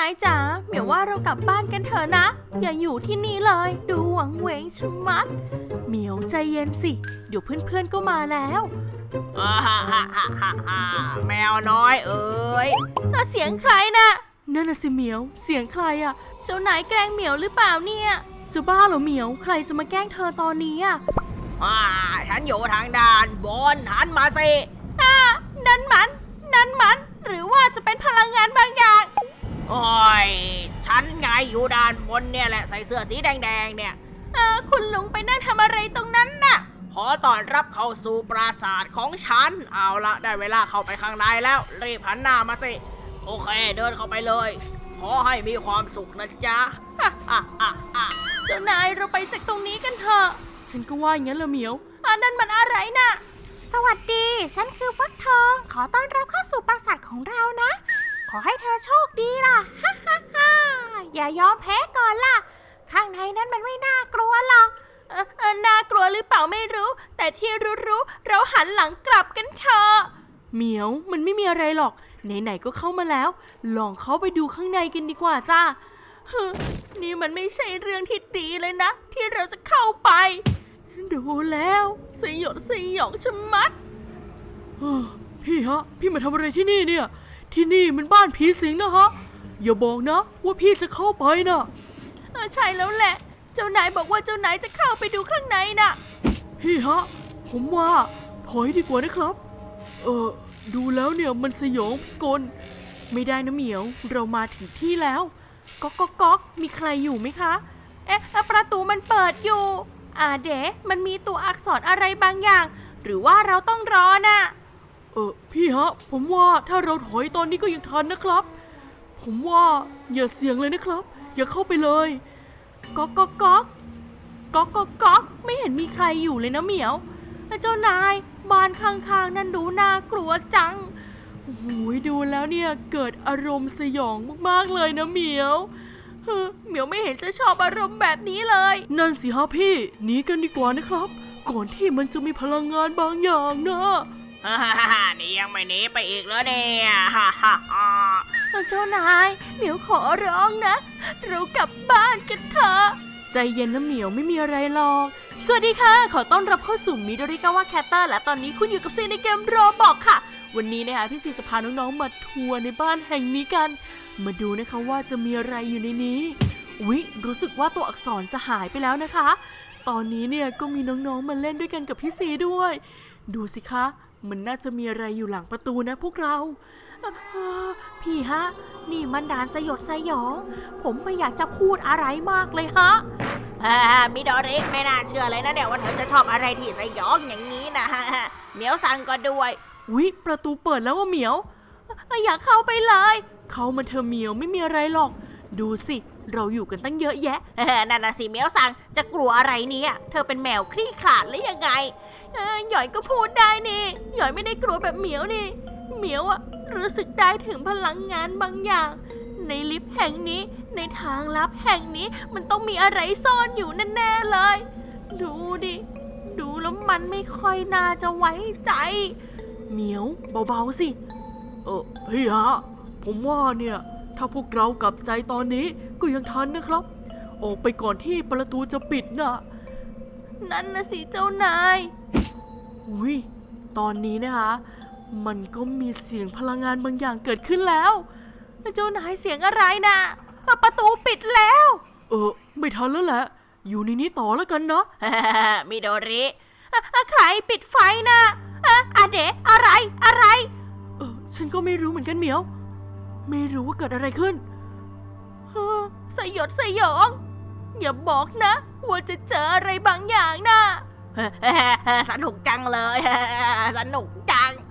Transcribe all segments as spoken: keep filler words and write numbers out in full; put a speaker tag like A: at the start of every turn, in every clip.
A: ายจ๋าเหมียวว่าเรากลับบ้านกันเถอะนะอย่าอยู่ที่นี่เลยดูหวังเหวงชะมัดเหมียวใจเย็นสิเดี๋ยวเพื่อนๆก็มาแล้ว
B: ฮ่าฮ่าฮ่าฮ่าฮ่าแมวน้อยเอ๋ย
A: เสียงใครนะนั่นน่ะสิเหมียวเสียงใครอ่ะเจ้านายแกล้งเหมียวหรือเปล่าเนี่ยจะบ้าเหรอเหมียวใครจะมาแกล้งเธอตอนนี้อ่ะ
B: อ่าฉันอยู่ทางด้านบนหันมาสิ
A: อ่านั่นมันนั่นมันหรือว่าจะเป็นพลังงานบางอย่าง
B: โอ้ยฉันไงอยู่ด้านบนเนี่ยแหละใส่เสื้อสีแดงๆเนี่ย
A: เออคุณลุงไปนั่งทำอะไรตรงนั้นน่ะ
B: ขอต้อนรับเข้าสู่ปราสาทของฉันเอาละได้เวลาเข้าไปข้างในแล้วรีบหันหน้ามาสิโอเคเดินเข้าไปเลยขอให้มีความสุขนะจ๊ะ
A: เจ้านายเราไปจากตรงนี้กันเถอะฉันก็ว่าอย่างนั้นละเหมียวอ่านั่นมันอะไรน่ะสวัสดีฉันคือฟักทองขอต้อนรับเข้าสู่ปราสาทของเรานะขอให้เธอโชคดีล่ะฮ่าฮ่าฮ่าอย่ายอมแพ้ก่อนล่ะข้างในนั้นมันไม่น่ากลัวหรอกเออเออน่ากลัวหรือเปล่าไม่รู้แต่ที่รู้ๆเราหันหลังกลับกันเถอะเหมียวมันไม่มีอะไรหรอกไหนๆก็เข้ามาแล้วลองเข้าไปดูข้างในกันดีกว่าจ้านี่มันไม่ใช่เรื่องที่ดีเลยนะที่เราจะเข้าไปดูแล้วสยดสยองชะมัดพี่ฮะพี่มาทำอะไรที่นี่เนี่ยที่นี่มันบ้านผีสิงนะฮะอย่าบอกนะว่าพี่จะเข้าไปนะใช่แล้วแหละเจ้านายบอกว่าเจ้านายจะเข้าไปดูข้างในน่ะพี่ฮะผมว่าถอยดีกว่านะครับเออดูแล้วเนี่ยมันสยองพิกลไม่ได้นะเหมียวเรามาถึงที่แล้วก๊อกก๊อกก๊อกมีใครอยู่ไหมคะเอ๊ะประตูมันเปิดอยู่อ่าเด๋มันมีตัวอักษรอะไรบางอย่างหรือว่าเราต้องรอน่ะเออพี่ฮะผมว่าถ้าเราถอยตอนนี้ก็ยังทันนะครับผมว่าอย่าเสี่ยงเลยนะครับอย่าเข้าไปเลยก๊อกก๊อกก๊อกก๊อกก๊อกก๊อกไม่เห็นมีใครอยู่เลยนะเหมียวเจ้านายบ้านข้างๆนั่นดูน่ากลัวจังโอ้โหดูแล้วเนี่ยเกิดอารมณ์สยองมากๆเลยนะเหมียวเหมียวไม่เห็นจะชอบอารมณ์แบบนี้เลยนั่นสิฮะพี่หนีกันดีกว่านะครับก่อนที่มันจะมีพลังงานบางอย่างนะ
B: ฮ่าฮ่าฮ่านี่ยังไม่หนีไปอีกแล้วเนี่ยฮ่าฮ่าฮ่า
A: เจ้านายเหมียวขอร้องนะเรากลับบ้านกันเถอะใจเย็นนะเหมียวไม่มีอะไรหรอกสวัสดีค่ะขอต้อนรับเข้าสู่มิโดริกาวะแคตเตอร์และตอนนี้คุณอยู่กับซีในเกมโรบอกค่ะวันนี้นะคะพี่ซีจะพาน้องๆมาทัวร์ในบ้านแห่งนี้กันมาดูนะคะว่าจะมีอะไรอยู่ในนี้อุ๊ยรู้สึกว่าตัวอักษรจะหายไปแล้วนะคะตอนนี้เนี่ยก็มีน้องๆมาเล่นด้วยกันกับพี่ซีด้วยดูสิคะมันน่าจะมีอะไรอยู่หลังประตูนะพวกเราพี่ฮะนี่มันด่านสยดสยองผมไม่อยากจะพูดอะไรมากเลยฮะ
B: อ่ามิโดริไม่น่าเชื่อเลยนะเนี่ยว่าเธอจะชอบอะไรที่สยองอย่างนี้นะฮะเหมียวสั่งก็ด้วย
A: อุ๊ยประตูเปิดแล้วว่าเหมียวอยากเข้าไปเลยเข้ามาเธอเหมียวไม่มีอะไรหรอกดูสิเราอยู่กันตั้งเยอะแยะ
B: นั่นน่ะสิเหมียวสั่งจะกลัวอะไรเนี่ยเธอเป็นแมวคลี่ขลาดหรือยังไง
A: หยอยก็พูดได้นี่หยอยไม่ได้กลัวแบบเหมียวนี่เหมียวอะรู้สึกได้ถึงพลังงานบางอย่างในลิฟต์แห่งนี้ในทางลับแห่งนี้มันต้องมีอะไรซ่อนอยู่แน่ๆเลยดูดิดูแล้วมันไม่ค่อยน่าจะไว้ใจเหมียวเบาๆสิเออพี่ฮะผมว่าเนี่ยถ้าพวกเรากลับใจตอนนี้ก็ยังทันนะครับออกไปก่อนที่ประตูจะปิดนะนั่นนะสิเจ้านายอุ้ยตอนนี้นะคะมันก็มีเสียงพลังงานบางอย่างเกิดขึ้นแล้วเจ้านายเสียงอะไรนะประตูปิดแล้วเออไม่ทันแล้วแหละอยู่ในนี้ต่อแล้วกันเนาะ
B: มิโดริ
A: ใครปิดไฟนะอะเดะอะไรอะไรเออฉันก็ไม่รู้เหมือนกันเหมียวไม่รู้ว่าเกิดอะไรขึ้นสยดสยองอย่าบอกนะว่าจะเจออะไรบางอย่างนะ
B: สนุกจังเลยสนุกจัง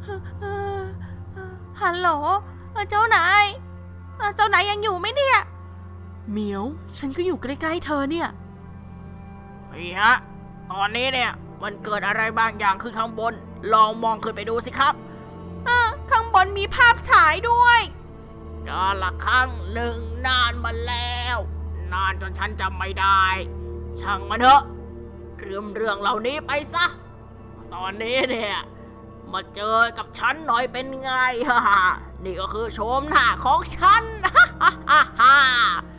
A: ฮัลโหลเจ้านายเจ้านายยังอยู่ไหมเนี่ยเหมียวฉันก็อยู่ใกล้ๆเธอเนี่ย
B: พี่ฮะตอนนี้เนี่ยมันเกิดอะไรบางอย่างขึ้นข้างบนลองมองขึ้นไปดูสิครับ
A: ข้างบนมีภาพฉายด้วย
B: กาลครั้งหนึ่งนานมาแล้วนานจนฉันจำไม่ได้ช่างมันเถอะเรื่องเรื่องเหล่านี้ไปซะตอนนี้เนี่ยมาเจอกับฉันหน่อยเป็นไง ฮ่าฮ่านี่ก็คือโฉมหน้าของฉัน ฮ่าฮ่าฮ่าฮ่า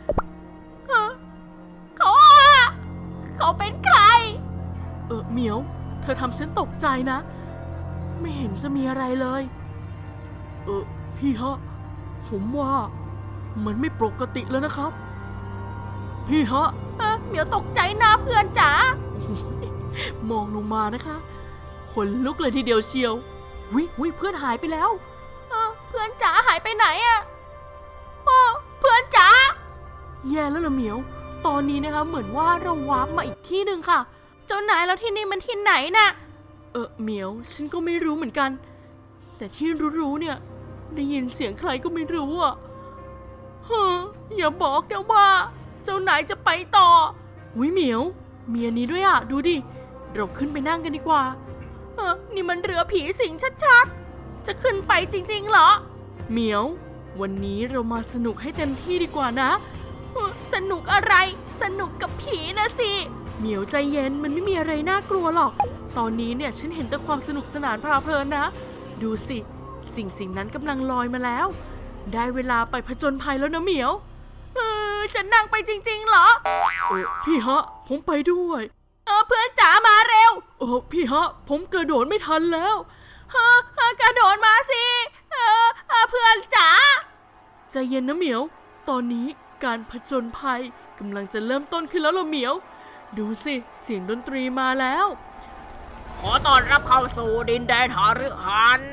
A: เขาอะเขาเป็นใคร เออเหมียว เธอทำฉันตกใจนะ ไม่เห็นจะมีอะไรเลย เออพี่ฮะ ผมว่ามันไม่ปกติแล้วนะครับ พี่ฮะเหมียวตกใจนะเพื่อนจ๋า มองลงมานะคะขนลุกเลยทีเดียวเชียววิวิเพื่อนหายไปแล้วเพื่อนจ๋าหายไปไหนอะเพื่อนจ๋าแย่แล้วล่ะเหมียว ตอนนี้นะคะเหมือนว่าเราวาร์ปมาอีกที่หนึ่งค่ะ เจ้านายแล้วที่นี่มันที่ไหนน่ะ เออเหมียวฉันก็ไม่รู้เหมือนกัน แต่ที่รู้ๆเนี่ยได้ยินเสียงใครก็ไม่รู้อ่ะฮะอย่าบอกนะว่าเจ้านายจะไปต่อวิเหมียวมีอันนี้ด้วยอ่ะดูดิเราขึ้นไปนั่งกันดีกว่าเออนี่มันเรือผีสิงชัดๆจะขึ้นไปจริงๆเหรอเหมียววันนี้เรามาสนุกให้เต็มที่ดีกว่านะเออสนุกอะไรสนุกกับผีนะสิเหมียวใจเย็นมันไม่มีอะไรน่ากลัวหรอกตอนนี้เนี่ยฉันเห็นแต่ความสนุกสนานเพลิดเพลินนะดูสิสิ่งสิ่งนั้นกำลังลอยมาแล้วได้เวลาไปผจญภัยแล้วนะเหมียวเออจะนั่งไปจริงๆเหรอเออพี่ฮะผมไปด้วยเออเพื่อนจ๋ามาเร็วเออพี่ฮะผมกระโดดไม่ทันแล้วฮะกระโดดมาสิเออเพื่อนจ๋าใจเย็นนะเหมียวตอนนี้การผจญภัยกำลังจะเริ่มต้นขึ้นแล้วล่ะเหมียวดูสิเสียงดนตรีมาแล้ว
B: ขอต้อนรับเข้าสู่ดินแดนหฤหัน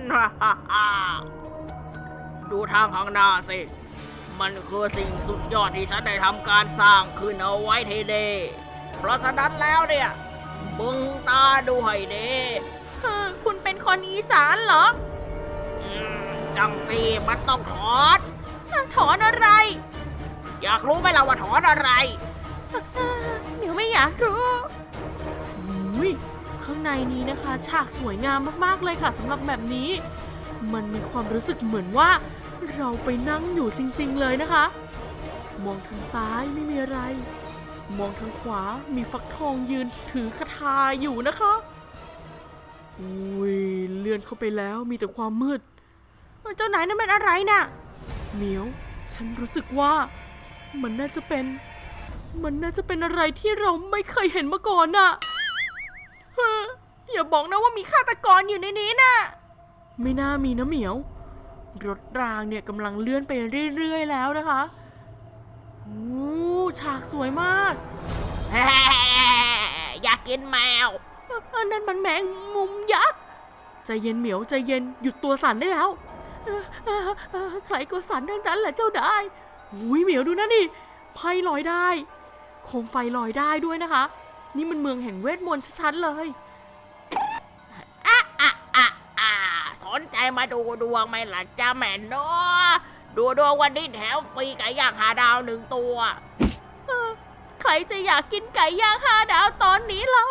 B: ดูทางข้างหน้าสิมันคือสิ่งสุดยอดที่ฉันได้ทำการสร้างขึ้นเอาไว้ทีเดเพราะฉะนั้นแล้วเนี่ยบึงตาดูให้ดี
A: คุณเป็นคนอีสานเหรอ
B: อืมจังสิมันต้องถอน
A: ถอนอะไร
B: อยากรู้ไหมล่ะว่าถอนอะไร
A: เดี๋ยวไม่อยากรู้อุ้ยข้างในนี้นะคะฉากสวยงามมากๆเลยค่ะสำหรับแบบนี้มันมีความรู้สึกเหมือนว่าเราไปนั่งอยู่จริงๆเลยนะคะมองทางซ้ายไม่มีอะไรมองทางขวามีฟักทองยืนถือคาถาอยู่นะคะอุ้ยเลื่อนเข้าไปแล้วมีแต่ความมืดเจ้านายนั่นเป็นอะไรน่ะเหมียวฉันรู้สึกว่ามันน่าจะเป็นมันน่าจะเป็นอะไรที่เราไม่เคยเห็นมาก่อนน่ะอย่าบอกนะว่ามีฆาตกรอยู่ในนี้น่ะไม่น่ามีนะเหมียวรถรางเนี่ยกำลังเลื่อนไปเรื่อยๆแล้วนะคะโอ้ฉากสวยมาก
B: อยากกินแมว
A: นั่นมันแมงมุมยักษ์ใจเย็นเหมียวใจเย็นหยุดตัวสั่นได้แล้วใครก็สั่นทั้งนั้นแหละเจ้าได้อุ้ยเหมียวดูนะนี่ไพ่ลอยได้โคมไฟลอยได้ด้วยนะคะนี่มันเมืองแห่งเวทมนต์ชัดๆเลย
B: อ่ะอ่ะอ่ะอ่ะสนใจมาดูดวงไหมล่ะจ้าแม่เนาะดูดวงวันนี้แถมฟรีไก่ย่างหาดาวหนึ่งตัว
A: ใครจะอยากกินไก่ย่างห้าดาวตอนนี้เรา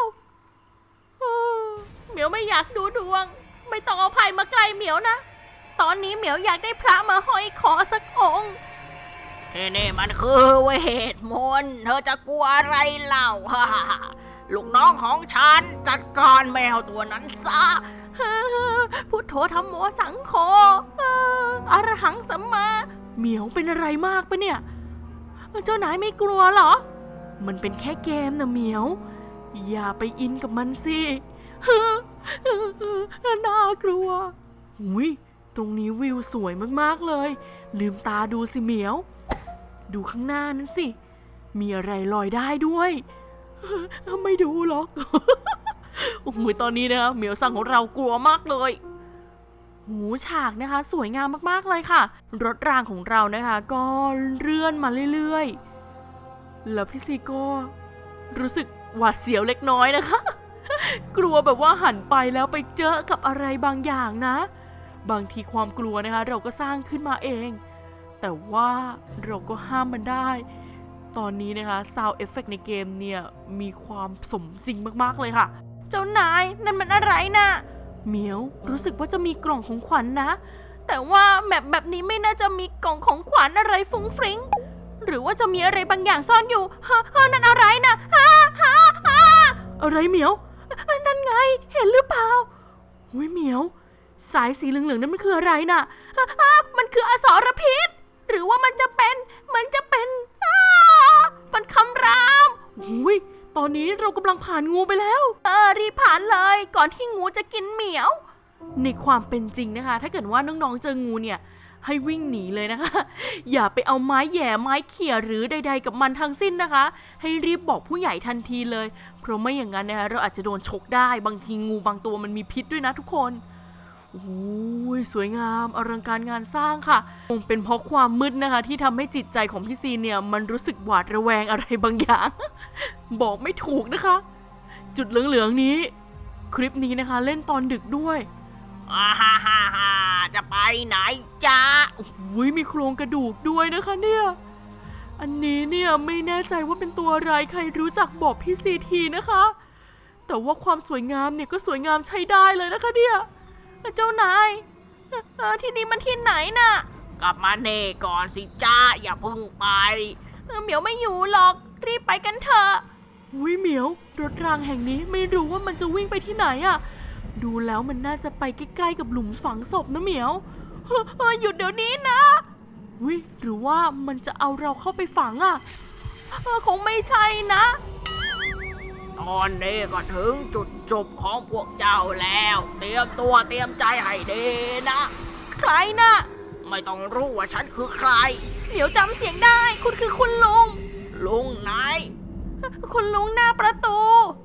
A: เหมียวไม่อยากดูดวงไม่ต้องเอาไพ่มาใกล้เหมียวนะตอนนี้เหมียวอยากได้พระมาห้อยคอสักองค์
B: นี่นี่มันคือเวทมนต์เธอจะกลัวอะไรเล่าฮ่าลูกน้องของฉันจัดการแมวตัวนั้นซะ
A: พุทโธธัมโมสังโฆอรหังสัมมาเหมียวเป็นอะไรมากปะเนี่ยเจ้านายไม่กลัวเหรอมันเป็นแค่เกมนะเหมียวอย่าไปอินกับมันสิน่ากลัวอุ้ยตรงนี้วิวสวยมากๆเลยลืมตาดูสิเหมียวดูข้างหน้านั้นสิมีอะไรลอยได้ด้วยไม่ดูหรอกโอ้โหตอนนี้นะคะเหมียวสั่งของเรากลัวมากเลยหูฉากนะคะสวยงามมากๆเลยค่ะรถรางของเรานะคะก็เลื่อนมาเรื่อยๆแล้วพี่ซีก็รู้สึกหวาดเสียวเล็กน้อยนะคะกลัวแบบว่าหันไปแล้วไปเจอกับอะไรบางอย่างนะบางทีความกลัวนะคะเราก็สร้างขึ้นมาเองแต่ว่าเราก็ห้ามมันได้ตอนนี้นะคะ Sound Effect ในเกมเนี่ยมีความสมจริงมากๆเลยค่ะเจ้านายนั่นมันอะไรนะเหมียวรู้สึกว่าจะมีกล่องของขวัญ น, นะแต่ว่าแมปแบบนี้ไม่น่าจะมีกล่องของขวัญอะไรฟุ้งฟริ้งหรือว่าจะมีอะไรบางอย่างซ่อนอยู่ฮะฮะนั่นอะไรนะฮะฮะฮะอะไรเหมียวนั่นไงเห็นหรือเปล่าหอุ้ยเหมียวสายสีเหลืองๆนั้นมันคืออะไรน่ะอ่ะอ่ะมันคืออสรพิษหรือว่ามันจะเป็นมันจะเป็นอ่ามันคำรามอุ้ยตอนนี้เรากำลังผ่านงูไปแล้วเออรีบผ่านเลยก่อนที่งูจะกินเหมียวในความเป็นจริงนะคะถ้าเกิดว่าน้องๆเจองูเนี่ยให้วิ่งหนีเลยนะคะอย่าไปเอาไม้แหย่ไม้เขี่ยหรือใดๆกับมันทั้งสิ้นนะคะให้รีบบอกผู้ใหญ่ทันทีเลยเพราะไม่อย่างนั้นนะคะเราอาจจะโดนฉกได้บางทีงูบางตัวมันมีพิษด้วยนะทุกคนโอ้ยสวยงามอลังการงานสร้างค่ะคงเป็นเพราะความมืดนะคะที่ทำให้จิตใจของพี่ซีเนี่ยมันรู้สึกหวาดระแวงอะไรบางอย่าง บอกไม่ถูกนะคะจุดเหลืองๆนี้คลิปนี้นะคะเล่นตอนดึกด้วย
B: อ่าฮ่าฮ่าฮ่าจะไปไหนจ๊ะ
A: โอ้ยมีโครงกระดูกด้วยนะคะเนี่ยอันนี้เนี่ยไม่แน่ใจว่าเป็นตัวอะไรใครรู้จักบอกพี่ซีทีนะคะแต่ว่าความสวยงามเนี่ยก็สวยงามใช้ได้เลยนะคะเนี่ยเจ้านายเอ่อที่นี่มันที่ไหนน่ะ
B: กลับมาเน่ก่อนสิจ้าอย่าเพึ่งไป
A: เอ่อเหมียวไม่อยู่หรอกรีบไปกันเถอะอุ้ยเหมียวรถรางแห่งนี้ไม่รู้ว่ามันจะวิ่งไปที่ไหนอะดูแล้วมันน่าจะไปใกล้ๆกับหลุมฝังศพนะเหมียวเฮ้อเฮ้อหยุดเดี๋ยวนี้นะอุ้ยหรือว่ามันจะเอาเราเข้าไปฝังอะเออคงไม่ใช่นะ
B: ตอนนี้ก็ถึงจุดจบของพวกเจ้าแล้ว เตรียมตัวเตรียมใจให้ดีนะ
A: ใครน่ะ
B: ไม่ต้องรู้ว่าฉันคือใคร
A: เหมียวจำเสียงได้คุณคือคุณลุง
B: ลุงไหน
A: คุณลุงหน้าประตู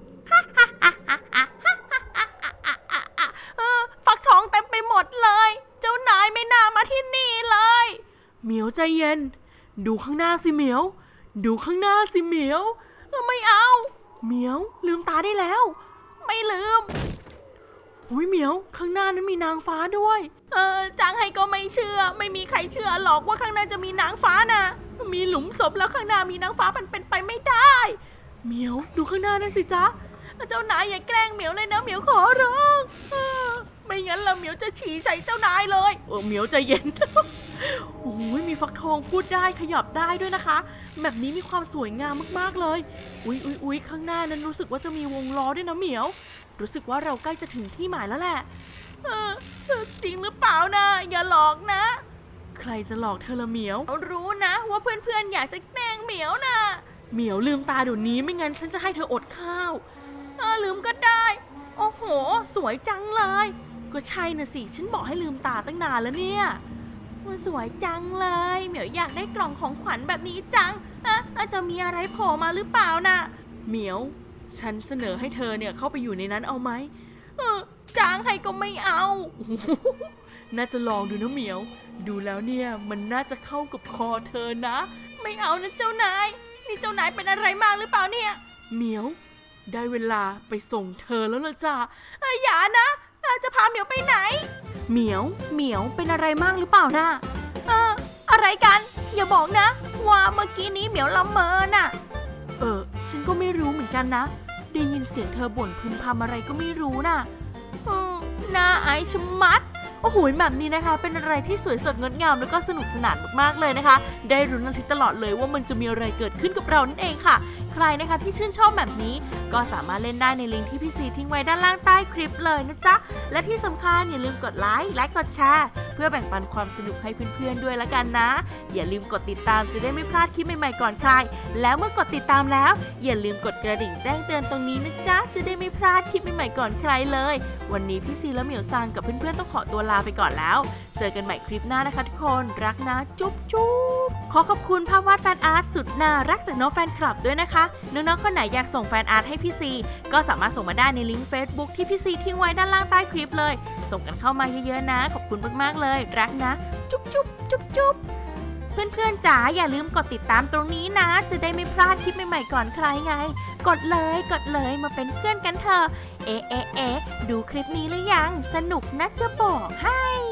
A: เออฟักทองเต็มไปหมดเลย เจ้านายไม่น่ามาที่นี่เลยเหมียวใจเย็นดูข้างหน้าสิเหมียวดูข้างหน้าสิเหมียวเออไม่เอาเหมียวลืมตาได้แล้ว ไม่ลืมอุ้ยเหมียวข้างหน้านั้นมีนางฟ้าด้วยเออจางให้ก็ไม่เชื่อไม่มีใครเชื่อหรอกว่าข้างหน้าจะมีนางฟ้านะมีหลุมศพแล้วข้างหน้ามีนางฟ้ามันเป็นไปไม่ได้เหมียวดูข้างหน้านั่นสิจ๊ะเจ้านายอย่าแกล้งเหมียวเลยนะเหมียวขอร้องเออไม่งั้นละเหมียวจะฉี่ใส่เจ้านายเลยเออเหมียวใจเย็น โอ้ยมีฟักทองพูดได้ขยับได้ด้วยนะคะแบบนี้มีความสวยงามมากๆเลยอุ๊ยอุ๊ยอุ๊ยข้างหน้านั้นรู้สึกว่าจะมีวงล้อด้วยนะเหมียวรู้สึกว่าเราใกล้จะถึงที่หมายแล้วแหละเออจริงหรือเปล่านะอย่าหลอกนะใครจะหลอกเธอละเหมียวรู้นะว่าเพื่อนๆอยากจะแกล้งเหมียวนะเหมียวลืมตาเดี๋ยวนี้ไม่งั้นฉันจะให้เธออดข้าวเออลืมก็ได้โอ้โหสวยจังเลยก็ใช่นะสิฉันบอกให้ลืมตาตั้งนานแล้วเนี่ยมันสวยจังเลยเหมียวอยากได้กล่องของขวัญแบบนี้จังอ่ะอ่ะจะมีอะไรโผล่มาหรือเปล่านะเหมียวฉันเสนอให้เธอเนี่ยเข้าไปอยู่ในนั้นเอาไหมเออจ้างให้ก็ไม่เอา น่าจะลองดูนะเหมียวดูแล้วเนี่ยมันน่าจะเข้ากับคอเธอนะไม่เอานะเจ้านายนี่เจ้านายเป็นอะไรมากหรือเปล่าเนี่ยเหมียวได้เวลาไปส่งเธอแล้วล่ะจ้าเอ้ยอย่านะจะพาเหมียวไปไหนเหมียวเหมียวเป็นอะไรมากหรือเปล่านะเอออะไรกันอย่าบอกนะว่าเมื่อกี้นี้เหมียวละเมอน่ะเออฉันก็ไม่รู้เหมือนกันนะได้ยินเสียงเธอบ่นพึมพำอะไรก็ไม่รู้น่ะอืมน่าอายชะมัดโอ้โหแบบนี้นะคะเป็นอะไรที่สวยสดงดงามแล้วก็สนุกสนานมากๆเลยนะคะได้รุ้นระทึกตลอดเลยว่ามันจะมีอะไรเกิดขึ้นกับเรานั่นเองค่ะใครนะคะที่ชื่นชอบแบบนี้ก็สามารถเล่นได้ในลิงก์ที่พี่ซีทิ้งไว้ด้านล่างใต้คลิปเลยนะจ๊ะและที่สำคัญอย่าลืมกดไลค์และกดแชร์เพื่อแบ่งปันความสนุกให้เพื่อนๆด้วยละกันนะอย่าลืมกดติดตามจะได้ไม่พลาดคลิปใหม่ๆก่อนใครแล้วเมื่อกดติดตามแล้วอย่าลืมกดกระดิ่งแจ้งเตือนตรงนี้นะจ๊ะจะได้ไม่พลาดคลิปใหม่ๆก่อนใครเลยวันนี้พี่ซีและเหมียวซังกับเพื่อนๆต้องขอตัวลาไปก่อนแล้วเจอกันใหม่คลิปหน้านะคะทุกคนรักนะจุ๊บจุ๊บขอขอบคุณภาพวาดแฟนอาร์ตสุดน่ารักจากน้องแฟนคลับด้วยนะคะน้องๆคนไหนอยากส่งแฟนอาร์ตให้พี่ซีก็สามารถส่งมาได้ในลิงก์ Facebook ที่พี่ซีทิ้งไว้ด้านล่างใต้คลิปเลยส่งกันเข้ามาเยอะๆนะขอบคุณมากๆเลยรักนะจุ๊บจุ๊บจุ๊บจุ๊บเพื่อนๆจ๋าอย่าลืมกดติดตามตรงนี้นะจะได้ไม่พลาดคลิปใหม่ๆก่อนใครไงกดเลยกดเลยมาเป็นเพื่อนกันเถอะเอ๊ะเอ๊ะเอ๊ะดูคลิปนี้หรือยังสนุกนะจะบอกให้